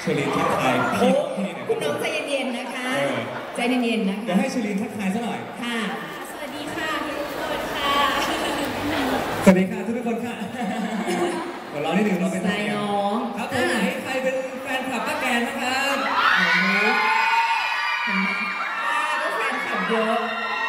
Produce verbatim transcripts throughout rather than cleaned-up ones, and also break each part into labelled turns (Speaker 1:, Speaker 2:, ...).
Speaker 1: เชลีนทักทายพี่พี่หน่อย
Speaker 2: คุณน้องใจเย็นๆนะคะใจเย็นๆนะคะ
Speaker 1: เดี๋ยวให้เชลีนทักทายซะหน่อย
Speaker 2: ค่ะ
Speaker 3: สวัสดีค่ะทุกคนค่ะ
Speaker 1: สวัสดีค่ะทุกคนค่ะเดี๋ยวเราได้ดึงเราเป็น
Speaker 2: ใจน้อง
Speaker 1: ครับคนไหนใครเป็นแฟนคลับป้าแกนนะครับ
Speaker 2: โอ้โหเห็นไหมป้าก็แฟนคลับเยอะ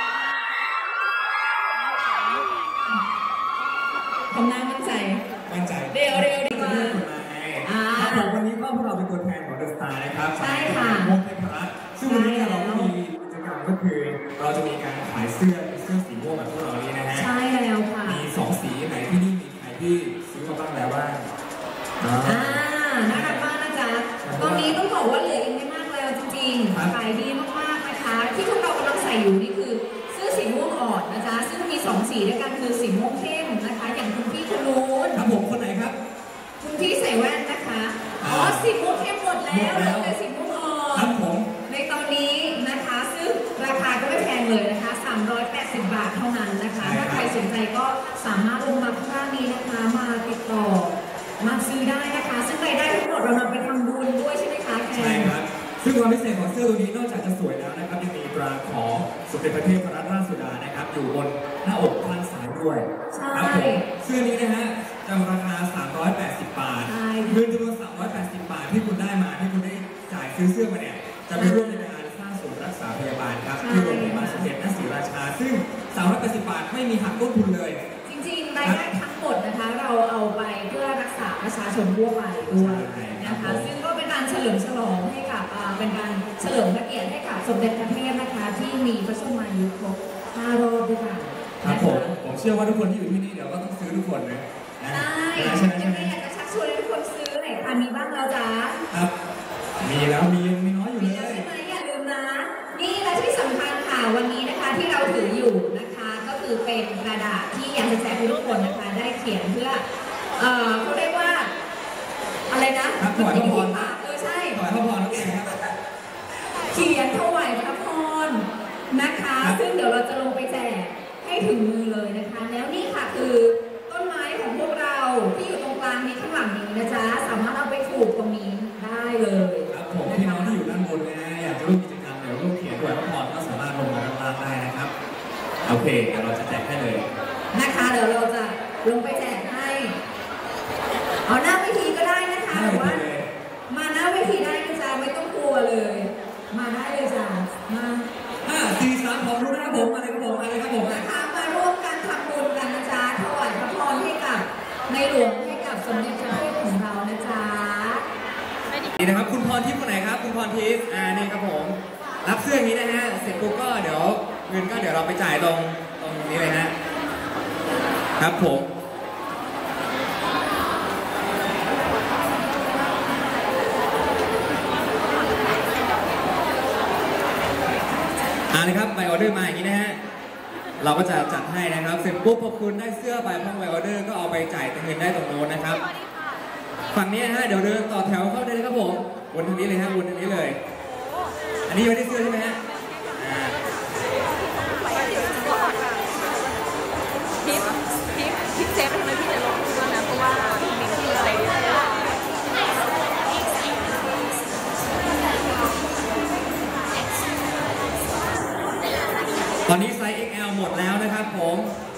Speaker 2: ทำหน้ามั่นใจ
Speaker 1: มั่นใจ
Speaker 2: เร็วเร็วดีกว่า
Speaker 1: อ่าผมวันนี้ก็พวกเราเป็นตัวแทนของเดอะสตาร์นะครับ
Speaker 2: ใช่ค่ะ
Speaker 1: วงเทพรัตน์ซึ่งวันนี้เราก็มีกิจกรรมก็คือเราจะมีการขายเสื้อเสื้อสีม่วงแบบพวกเรานี้นะฮะ
Speaker 2: ใช่แล้วค่ะ
Speaker 1: มีสองสีไหนที่นี่มีใครที่ซื้อมาบ้างแล้วบ้าง
Speaker 2: อ่าน่ารักมากนะจ๊ะตอนนี้ต้องบอกว่าเหลืออีกไม่มากแล้วจริงๆขายดีมากๆนะคะที่พวกเรากำลังใส่อยู่นี่คือเสื้อสีม่วงอ่อนนะจ๊ะซึ่งมีสองสีด้วยกันคือสีม่วงเข้มนะคะอย่างคุณพี่คนนู้น
Speaker 1: ครับผมคนไหนครับ
Speaker 2: คุณพี่ใส่แว่นนะคะอ๋อสีม่วงเข้มหมดแล้วเหลือแต่สีม่วงอ่อน
Speaker 1: ครับผม
Speaker 2: ในตอนนี้นะคะซึ่งราคาก็ไม่แพงเลยนะคะสามร้อยแปดสิบบาทเท่านั้นนะคะถ้าใครสนใจก็สามารถลงมาข้างล่างนี้นะคะมาติดต่อมาซื้อได้นะคะซึ่งรายได้ทั้งหมดเรานำไปทำบุญด้วยใช่ไหมคะแค
Speaker 1: นใช่ครับซึ่งความพิเศษของเสื้อตัวนี้นอกจากจะสวยแล้วนะครับยังมีตราของสมเด็จพระเทพรัตนราชสุดานะครับอยู่บนหน้าอกข้างซ้ายด้วย
Speaker 2: ใช่
Speaker 1: เสื้อนี้นะฮะจำราคาสามร้อยแปดสิบบาทเงินจำนวนสามร้อยแปดสิบบาทที่คุณได้มาที่คุณได้จ่ายซื้อเสื้อมาเนี่ยจะไปร่วมในการสร้างศูนย์รักษาพยาบาลครับที่โรงพยาบาลสมเด็จพระศรีราชาซึ่งสามร้อยแปดสิบบาทไม่มีหักต้นทุนเลย
Speaker 2: จริงๆรายได้ทั้งหมดนะคะเราเอาไปเพื่อรักษาประชาชนทั่วไปด้วยนะคะซึ่งก็เป็นการเฉลิมฉลองให้กับเป็นการเฉลิมพระเกียรติให้กับสมเด็จพระเทพนะคะที่มีพระชนมายุครบห้ารอบด้วยกัน
Speaker 1: ครับผมผมเชื่อว่าทุกคนที่อยู่ที่นี่เดี๋ยวก็ต้องซื้อทุกคนนะ
Speaker 2: ใช่ยังไงอยากจะชักชวนให้ทุกคนซื้อไหนคะมีบ้างแล้วจ้า
Speaker 1: ครับมีแล้วมียังมีน้อยอยู่เลย
Speaker 2: ใช่ไหมอย่าลืมนะนี่และที่สำคัญค่ะวันนี้นะคะที่เราถืออยู่นะคะก็คือเป็นกระดาษที่อยากจะแจกให้ทุกคนนะคะได้เขียนเพื่อเอ่อเขาเรียกว่าอะไรนะ
Speaker 1: ถวายพระพร
Speaker 2: เออใช่
Speaker 1: ถวายพระพรนั่นเองครับ
Speaker 2: เขียนถวายพระพรนะคะซึ่งเดี๋ยวเราจะลงไปแจกให้ถึงมือเลยนะคะแล้วนี่ค่ะคือต้นไม้ของพวกเราที่อยู่ตรงกลางนี้ข้างหลังนี้นะจ๊ะสามารถเอาไปปลูกตรงนี้ได้เลย
Speaker 1: ครับผมพี่น้องที่อยู่ด้านบนนะอยากจะร่วมกิจกรรมเดี๋ยวร่วมเขียนถวายพระพรก็สามารถลงมาด้านล่างได้นะครับโอเคเดี๋ยวเราจะแจกให้เลย
Speaker 2: นะคะเดี๋ยวเราจะลงไปแจกให้เอาหน้าเวทีก็ได้นะคะหรือว่ามาหน้าเวทีได้นะจ๊ะไม่ต้องกลัวเลยมาได้เลยจ้ะมา
Speaker 1: ห้าสี่สามผมรู้นะครับผมอะไรครับผมอะไรครับผม
Speaker 2: นะคะมาร่วมกันทำบุญกันนะจ๊ะถวายพระพรให้กับในหลวงให้กับสมเด็จพระเทพของเรานะจ๊ะ
Speaker 1: นี่นะครับคุณพรทิพย์คนไหนครับคุณพรทิพย์อ่านี่ครับผมรับเสื้ออย่างนี้นะฮะเสร็จปุ๊บก็เดี๋ยวเงินก็เดี๋ยวเราไปจ่ายตรงตรงนี้เลยฮะครับผมอ่านะครับใบออเดอร์มาอย่างนี้นะฮะเราก็จะจัดให้นะครับเสร็จปุ๊บพอคุณได้เสื้อไปพร้อมใบออเดอร์ก็เอาไปจ่ายเงินได้ตรงโน้นนะครับฝั่งนี้นะฮะเดี๋ยวเดินต่อแถวเข้าได้เลยครับผมวนทางนี้เลยฮะวนทางนี้เลยอันนี้ยังไม่ได้เสื้อใช่ไหมฮะ
Speaker 3: ทิปทิปทิปเซฟทำไมพี่จะลงด้วยนะเพราะว่ามีที่อะไรด้วย
Speaker 1: ตอนนี้ไซส์ เอ็กซ์ แอล หมดแล้วนะครับผม